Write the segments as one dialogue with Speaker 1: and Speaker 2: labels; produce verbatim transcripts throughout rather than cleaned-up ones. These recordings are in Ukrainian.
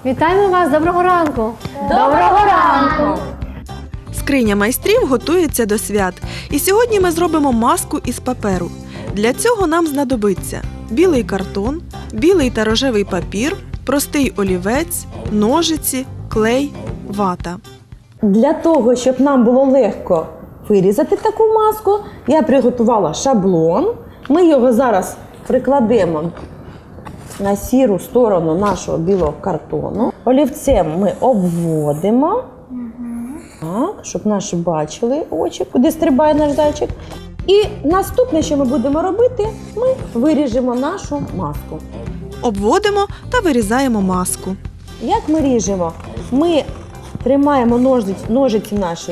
Speaker 1: Вітаємо вас! Доброго ранку!
Speaker 2: Доброго ранку!
Speaker 3: Скриня майстрів готується до свят. І сьогодні ми зробимо маску із паперу. Для цього нам знадобиться білий картон, білий та рожевий папір, простий олівець, ножиці, клей, вата.
Speaker 2: Для того, щоб нам було легко вирізати таку маску, я приготувала шаблон. Ми його зараз прикладемо на сіру сторону нашого білого картону. Олівцем ми обводимо, так, щоб наші бачили очі, куди стрибає наш зайчик. І наступне, що ми будемо робити, ми виріжемо нашу маску.
Speaker 3: Обводимо та вирізаємо маску.
Speaker 2: Як ми ріжемо? Ми тримаємо ножиці, ножиці наші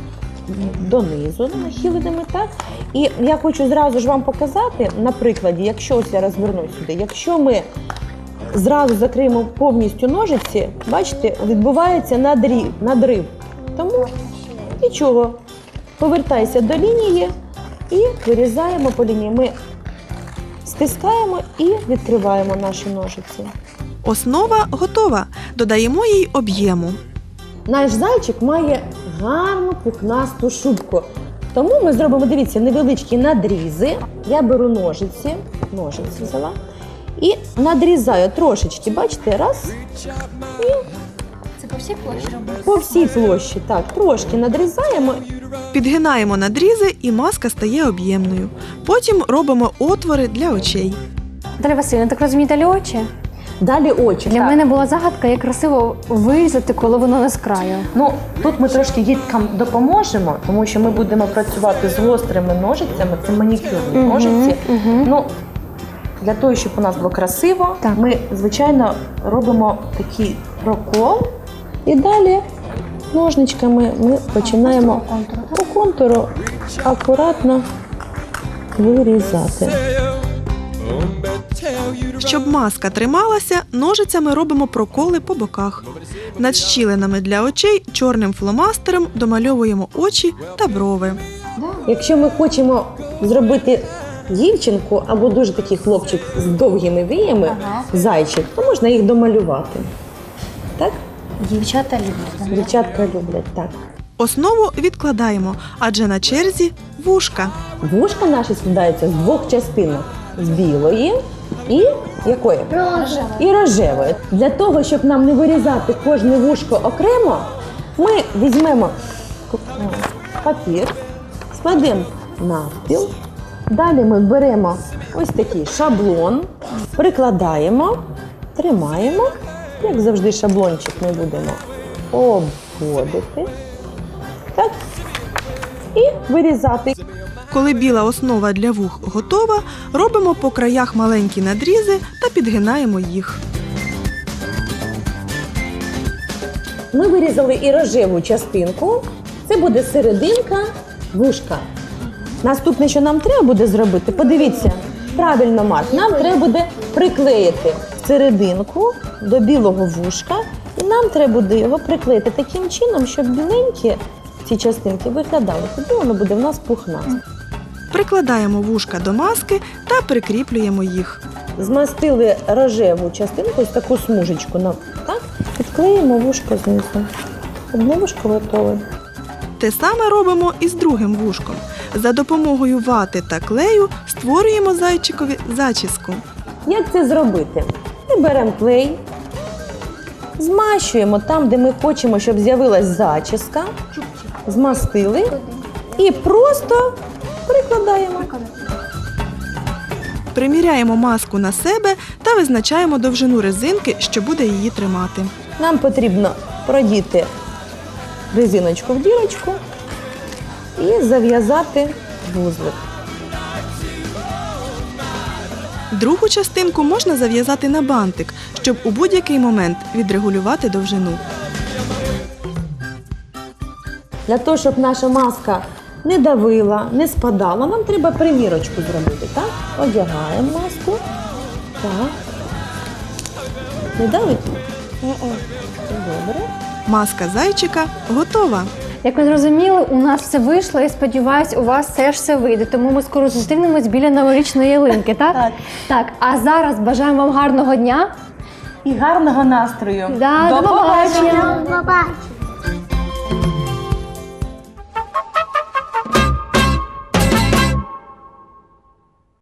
Speaker 2: донизу, нахиленими, так? І я хочу зразу ж вам показати, на прикладі, якщо ось я розверну сюди, якщо ми зразу закриємо повністю ножиці, бачите, відбувається надрів, надрив. Тому нічого, повертайся до лінії і вирізаємо по лінії. Ми стискаємо і відкриваємо наші ножиці.
Speaker 3: Основа готова. Додаємо їй об'єму.
Speaker 2: Наш зайчик має гарну пухнасту шубку. Тому ми зробимо, дивіться, невеличкі надрізи. Я беру ножиці, ножиці взяла, і надрізаю трошечки, бачите, раз, і
Speaker 1: Це по всій площі робити?
Speaker 2: по всій площі, так, трошки надрізаємо.
Speaker 3: Підгинаємо надрізи і маска стає об'ємною. Потім робимо отвори для очей.
Speaker 1: Наталя Василівна, так розумію, далі очі?
Speaker 2: Далі очі.
Speaker 1: Для
Speaker 2: так.
Speaker 1: мене була загадка, як красиво вирізати, коли воно не з краю.
Speaker 2: Ну, тут ми трошки діткам допоможемо, тому що ми будемо працювати з гострими ножицями, це манікюрні
Speaker 1: Мгм,
Speaker 2: ножиці.
Speaker 1: мгм.
Speaker 2: Ну, для того, щоб у нас було красиво,
Speaker 1: Так.
Speaker 2: ми, звичайно, робимо такий прокол. І далі ножничками ми починаємо по контуру акуратно вирізати.
Speaker 3: Щоб маска трималася, ножицями робимо проколи по боках. Над щілинами для очей чорним фломастером домальовуємо очі та брови.
Speaker 2: Якщо ми хочемо зробити дівчинку або дуже такий хлопчик з довгими віями,
Speaker 1: Ага.
Speaker 2: зайчик, то можна їх домалювати. Так?
Speaker 1: Дівчата люблять.
Speaker 2: Дівчатка люблять, так.
Speaker 3: Основу відкладаємо, адже на черзі вушка.
Speaker 2: Вушка наші складаються з двох частинок. З білої і якої?
Speaker 1: Рожева.
Speaker 2: І рожевої. Для того, щоб нам не вирізати кожне вушко окремо, ми візьмемо папір, складемо навпіл. Далі ми беремо ось такий шаблон, прикладаємо, тримаємо. Як завжди, шаблончик ми будемо обводити. Так. І вирізати.
Speaker 3: Коли біла основа для вух готова, робимо по краях маленькі надрізи та підгинаємо їх.
Speaker 2: Ми вирізали і рожеву частинку. Це буде серединка вушка. Наступне, що нам треба буде зробити, подивіться, правильно, Марк, нам треба буде приклеїти серединку до білого вушка. І нам треба буде його приклеїти таким чином, щоб біленькі ці частинки виглядали. Тоді воно буде в нас пухнасте.
Speaker 3: Прикладаємо вушка до маски та прикріплюємо їх.
Speaker 2: Змастили рожеву частинку, ось таку смужечку, нам, так? Підклеїмо вушко знизу. Одне вушко готове.
Speaker 3: Те саме робимо і з другим вушком. За допомогою вати та клею створюємо зайчикові зачіску.
Speaker 2: Як це зробити? Ми беремо клей, змащуємо там, де ми хочемо, щоб з'явилась зачіска, змастили і просто прикладаємо.
Speaker 3: Приміряємо маску на себе та визначаємо довжину резинки, що буде її тримати.
Speaker 2: Нам потрібно продіти резиночку в дірочку і зав'язати вузлик.
Speaker 3: Другу частинку можна зав'язати на бантик, щоб у будь-який момент відрегулювати довжину.
Speaker 2: Для того, щоб наша маска не давила, не спадала, нам треба примірочку зробити. Так? Одягаємо маску. Так. Не давить? Добре.
Speaker 3: Маска зайчика готова.
Speaker 1: Як ви зрозуміли, у нас все вийшло, і сподіваюсь, у вас теж все вийде. Тому ми скоро зустрінемось біля новорічної ялинки, так?
Speaker 2: Так.
Speaker 1: Так, а зараз бажаємо вам гарного дня.
Speaker 2: і гарного настрою.
Speaker 1: Да, до побачення.
Speaker 4: До